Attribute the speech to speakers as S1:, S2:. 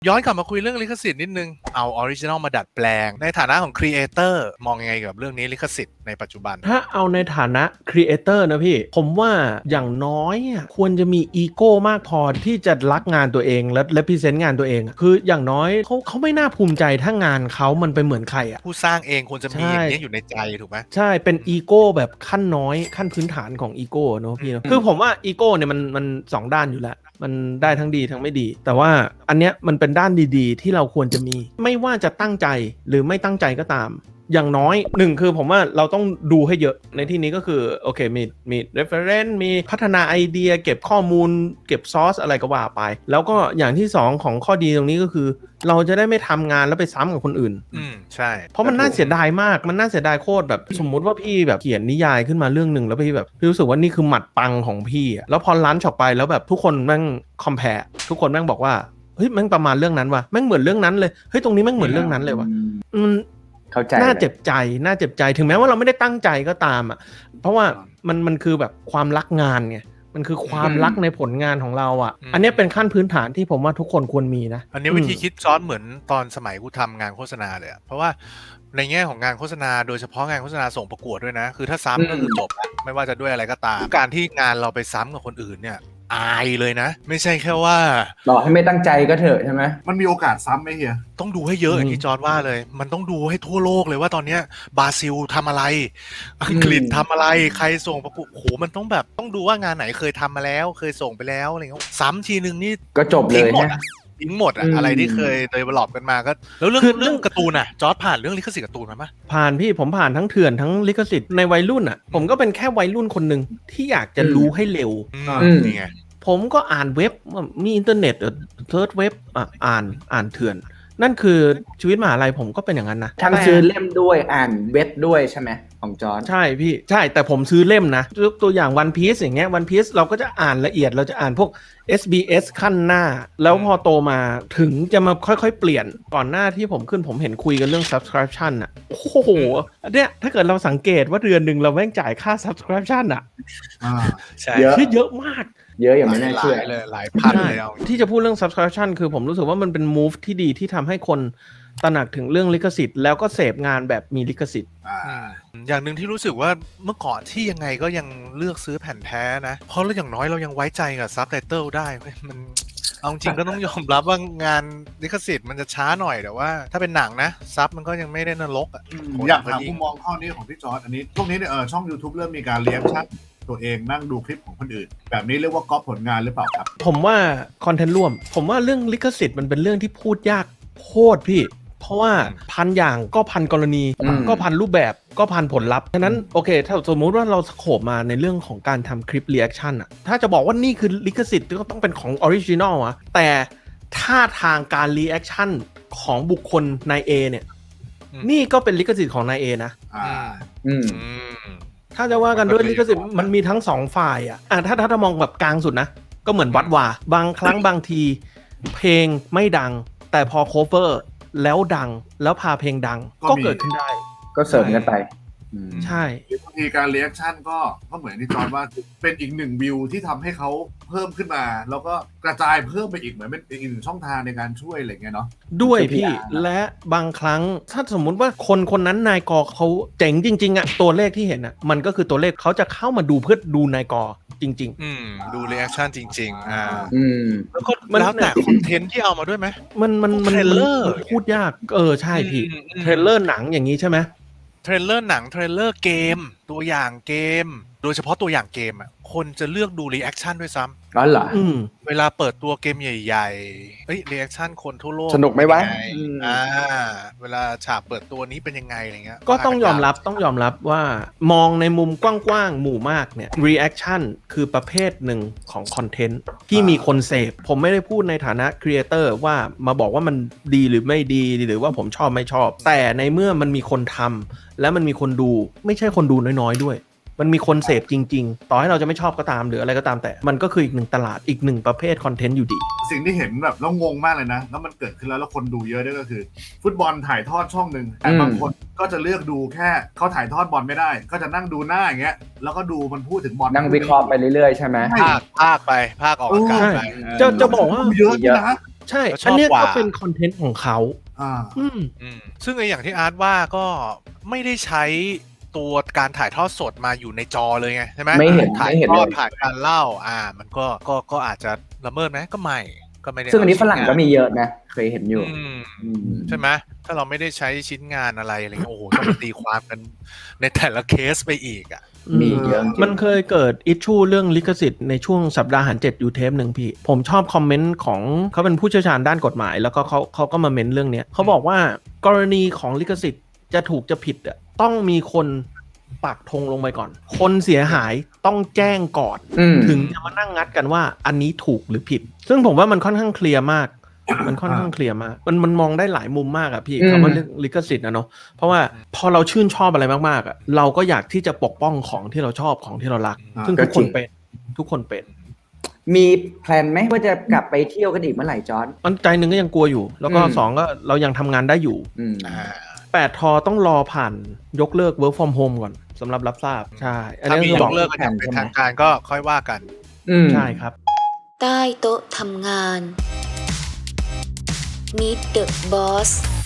S1: ย้อนกลับมาคุยเรื่องลิขสิทธิ์นิดนึงเอาออริจินอลมาดัดแปลงในฐานะของครีเอเตอร์มองยังไงกับเรื่องนี้ลิขสิทธิ์ในปัจจุบัน
S2: ถ้าเอาในฐานะครีเอเตอร์นะพี่ผมว่าอย่างน้อยควรจะมีอีโก้มากพอที่จะรักงานตัวเองและพรีเซนต์งานตัวเองคืออย่างน้อยเขาไม่น่าภูมิใจถ้างานเขามันไปเหมือนใครอ่ะ
S1: ผู้สร้างเองควรจะมีอย่างนี้อยู่ในใจถูกไหม
S2: ใช่เป็นอีโก้แบบขั้นน้อยขั้นพื้นฐานของอีโก้เนอะพี่เนอะคือผมว่าอีโก้เนี่ยมันสองด้านอยู่แล้วมันได้ทั้งดีทั้งไม่ดีแต่ว่าอันเนี้ยมันเป็นด้านดีๆที่เราควรจะมีไม่ว่าจะตั้งใจหรือไม่ตั้งใจก็ตามอย่างน้อยหนึ่งคือผมว่าเราต้องดูให้เยอะในที่นี้ก็คือโอเคมี reference มีพัฒนาไอเดียเก็บข้อมูลเก็บซอสอะไรก็ว่าไปแล้วก็อย่างที่สองของข้อดีตรงนี้ก็คือเราจะได้ไม่ทำงานแล้วไปซ้ำกับคนอื่น
S1: ใช่
S2: เพราะมันน่าเสียดายมากมันน่าเสียดายโคตรแบบสมมุติว่าพี่แบบเขียนนิยายขึ้นมาเรื่องหนึ่งแล้วพี่แบบพี่รู้สึกว่านี่คือหมัดปังของพี่อะแล้วพอลันช์ออกไปแล้วแบบทุกคนแม่งคอมแพร์ทุกคนแม่งบอกว่าเฮ้ยแม่งประมาณเรื่องนั้นว่ะแม่งเหมือนเรื่องนั้นเลยเฮ้ยตรงนี้แม่งเหมือนเรื่องนั้นเลยว่ะ
S3: เข้าใจ
S2: น่าเจ็บใจถึงแม้ว่าเราไม่ได้ตั้งใจก็ตามอ่ะเพราะว่ามันคือแบบความรักงานไงมันคือความรักในผลงานของเราอ่ะอันนี้เป็นขั้นพื้นฐานที่ผมว่าทุกคนควรมีนะ
S1: อันนี้วิธีคิดซ้อนเหมือนตอนสมัยกูทำงานโฆษณาเลยเพราะว่าในแง่ของงานโฆษณาโดยเฉพาะงานโฆษณาส่งประกวดด้วยนะคือถ้าซ้ำก็คือจบไม่ว่าจะด้วยอะไรก็ตามการที่งานเราไปซ้ำกับคนอื่นเนี่ยอายเลยนะไม่ใช่แค่ว่า
S3: ต่อให้ไม่ตั้งใจก็เถอะใช่ไหม
S4: มันมีโอกาสซ้ำไหมเฮีย
S1: ต้องดูให้เยอะอย่างที่จอร์จว่าเลยมันต้องดูให้ทั่วโลกเลยว่าตอนเนี้ยบราซิลทำอะไรอังกฤษทำอะไรใครส่งประกวดโหมันต้องแบบต้องดูว่างานไหนเคยทำมาแล้วเคยส่งไปแล้วอะไรเงี้ยซ้ำทีนึงนี่
S3: ก็จบเลยนะ
S1: ทิ้งหมดอะอะไรที่เคยเดเวลลอปกันมาก็แล้วเรื่องการ์ตูนอะจอร์จผ่านเรื่องลิขสิทธิ์การ์ตูนมาปะ
S2: ผ่านพี่ผมผ่านทั้งเถื่อนทั้งลิขสิทธิ์ในวัยรุ่นอ่ะผมก็เป็นแค่วัยรุ่นคนหนึ่งที่อยากจะรู้ให้เร็ว
S1: นี่ไง
S2: ผมก็อ่านเว็บมีอินเทอร์เน็ตเซิร์ชเว็บอ่านเถื่อนนั่นคือชีวิตมหาลัยผมก็เป็นอย่างนั้นนะ
S3: ทั้งซื้อเล่มด้วยอ่านเว็บด้วยใช่ไหมของจอร์จ
S2: ใช่พี่ใช่แต่ผมซื้อเล่มนะยกตัวอย่าง One Piece อย่างเงี้ย One Piece เราก็จะอ่านละเอียดเราจะอ่านพวก SBS ขั้นหน้าแล้วพอโตมาถึงจะมาค่อยๆเปลี่ยนก่อนหน้าที่ผมขึ้นผมเห็นคุยกันเรื่อง subscription อ่ะโอ้โหเนี่ยถ้าเกิดเราสังเกตว่าเดือนหนึ่งเราแม่งจ่ายค่า subscription อ่ะ
S1: ใช่
S2: เยอะมาก
S3: เยอะอย่างไม่น่าเชื่อ
S1: เลยหลายพันเลย
S2: ที่จะพูดเรื่อง subscription คือผมรู้สึกว่ามันเป็น move ที่ดีที่ทำให้คนตระหนักถึงเรื่องลิขสิทธิ์แล้วก็เสพงานแบบมีลิขสิทธิ์
S1: อย่างหนึ่งที่รู้สึกว่าเมื่อก่อนที่ยังไงก็ยังเลือกซื้อแผ่นแท้นะเพราะอย่างน้อยเรายังไว้ใจกับซับไตเติลได้มันเอาจริงก็ต้องยอมรับว่างานลิขสิทธิ์มันจะช้าหน่อยแต่ว่าถ้าเป็นหนังนะซับมันก็ยังไม่ได้นรกอ่ะ
S4: อยากถามมุมมองข้อนี้ของพี่จอร์จอันนี้ช่วงนี้เนี่ยช่อง YouTube เริ่มมีการเลี้ยงชัดตัวเองนั่งดูคลิปของคนอื่นแบบนี้เรียกว่าก๊อปผลงานหรือเปล่าครับ
S2: ผมว่าคอนเทนต์ร่วมผมว่าเรื่องลิขสิทธิ์มันเป็นเรื่องที่พูดยากโคตรพี่เพราะว่าพันอย่างก็พันกรณีก็พันรูปแบบก็พันผลลัพธ์ฉะนั้นโอเคถ้าสมมุติว่าเราสโคปมาในเรื่องของการทำคลิปรีแอคชั่นอะถ้าจะบอกว่านี่คือลิขสิทธิ์ก็ต้องเป็นของออริจินอลอะแต่ท่าทางการรีแอคชั่นของบุคคลนายเอเนี่ยนี่ก็เป็นลิขสิทธิ์ของนายเอนะถ้าจะว่ากันด้วยลิขสิทธิ์มันมีทั้งสองฝ่ายอะถ้ามองแบบกลางสุดนะก็เหมือนวัดวาบางครั้งบางทีเพลงไม่ดังแต่พอโคเวอร์แล้วดังแล้วพาเพลงดังก็เกิดขึ้นได้
S3: ก็เสริมกันไป
S2: ใช่
S4: บางทีการเรีแอคชั่นก็เหมือนที่จอร์จว่าเป็นอีกหนึ่งวิวที่ทำให้เขาเพิ่มขึ้นมาแล้วก็กระจายเพิ่มไปอีกเหมือนเป็นอีกหนึ่งช่องทางในการช่วยอะไรเงี้ยเนาะ
S2: ด้วยพี่และบางครั้งถ้าสมมุติว่าคนนั้นนายกเขาเจ๋งจริงๆอะตัวเลขที่เห็นอะมันก็คือตัวเลขเขาจะเข้ามาดูเพื่อดูนายกจริง
S1: ๆดูรีแอคชั่นจริงๆแล้วก็แล้วแต่คอนเทนต์ที่เอามาด้วยไหม
S2: มันเทรลเลอร์พูดยากใช่พี่เทรลเลอร์หนังอย่างนี้ใช่ไหม
S1: เทรลเลอร์หนังเทรลเลอร์เกมตัวอย่างเกมโดยเฉพาะตัวอย่างเกมอ่ะคนจะเลือกดูรีแอคชั่นด้วยซ้ำ
S3: อ๋อเหรอ
S1: เวลาเปิดตัวเกมใหญ่ๆรีแอคชั่นคนทั่วโลก
S3: สนุกไหมวะ
S1: เวลาฉากเปิดตัวนี้เป็นยังไงอะไรเงี้ย
S2: ก็ต้องยอมรับว่ามองในมุมกว้างๆหมู่มากเนี่ยรีแอคชั่นคือประเภทหนึ่งของคอนเทนต์ที่มีคนเสพผมไม่ได้พูดในฐานะครีเอเตอร์ว่ามาบอกว่ามันดีหรือไม่ดีหรือว่าผมชอบไม่ชอบแต่ในเมื่อมันมีคนทำและมันมีคนดูไม่ใช่คนดูน้อยๆด้วยมันมีคนเสพจริงๆต่อให้เราจะไม่ชอบก็ตามหรืออะไรก็ตามแต่มันก็คืออีกหนึ่งตลาดอีกหนึ่งประเภทคอนเทนต์อยู่ดี
S4: สิ่งที่เห็นแบบแล้วงงมากเลยนะแล้วมันเกิดขึ้นแล้วคนดูเยอะด้วยก็คือฟุตบอลถ่ายทอดช่องนึงแต่บางคนก็จะเลือกดูแค่เขาถ่ายทอดบอลไม่ได้ก็จะนั่งดูหน้าอย่างเงี้ยแล้วก็ดูมันพูดถึงบอล
S3: นั่งวิเคราะห์ไปเรื่อยๆใช่ไหม
S1: ภาคออกอากาศไป
S2: จะบอกว่า
S4: เยอะนะ
S2: ใช่
S1: แล้วช
S2: อัน
S1: อบ
S2: เนี้ย
S1: กว่า
S2: ก็เป็นคอนเทนต์ของเขา
S4: อ่า
S2: อืม
S1: ซึ่งไออย่างที่อาร์ตว่าก็ไม่ได้ใช้ตัวการถ่ายทอดสดมาอยู่ในจอเลยไงใช่ไหม
S3: ไม่เห็น
S1: ถ่าย
S3: ไม่เห็น
S1: ทอด
S3: เลย
S1: ถ่ายการเล่ามันก็อาจจะละเมิดไหมก็ไม่ได้
S3: ซึ่งอันนี้ฝรั่งก็มี
S1: เา
S3: เยอะนะ เคยเห็นอยู่
S1: อืมใช่ไหมถ้าเราไม่ได้ใช้ชิ้นงานอะไรเงี้ยโอ้โหต้องมาตีความกันในแต่ละเคสไปอีกอ่ะ
S3: มีเยอะจริง
S2: มันเคยเกิดอิชชูเรื่องลิขสิทธิ์ในช่วงสัปดาห์หัน7อยู่เทปหนึ่งพี่ ผมชอบคอมเมนต์ของเขาเป็นผู้เชี่ยวชาญด้านกฎหมาย แล้วก็เขาก็มาเมนเรื่องเนี้ยเขาบอกว่ากรณีของลิขสิทธิ์จะถูกจะผิดอ่ะต้องมีคนปักธงลงไปก่อน คนเสียหายต้องแจ้งก่อน
S3: อืม
S2: ถึงจะมานั่งงัดกันว่าอันนี้ถูกหรือผิด ซึ่งผมว่ามันค่อนข้างเคลียร์มาก มันค่อนข้างเคลียร์มาก มันมองได้หลายมุมมากอะพี่
S3: อืม
S2: คำว่าเรื่องลิขสิทธิ์นะเนาะ เพราะว่าพอเราชื่นชอบอะไรมากๆอะเราก็อยากที่จะปกป้องของที่เราชอบของที่เรารัก
S4: อ่า
S2: ซึ่งทุกคนเป็น ทุกคนเป็น
S3: มีแพลนไหมว่าจะกลับไปเที่ยวกันอีกเมื่อไหร่จอร์น
S2: มันใจหนึ่งก็ยังกลัวอยู่ แล้วก็
S3: อืม
S2: สองก็เรายังทำงานได้อยู่
S3: อืม
S2: 8 ทอต้องรอผ่านยกเลิก work from home ก่อนสำหรับรับทราบ ใช่ อัน
S1: ถ้า
S2: นี้
S1: มี
S2: คือย บอก
S1: กเลิกกันอย่างเป็นทางการก็ค่อยว่ากัน
S3: อืม
S2: ใช่ครับ
S5: ใต้โต๊ะทำงาน Meet the Boss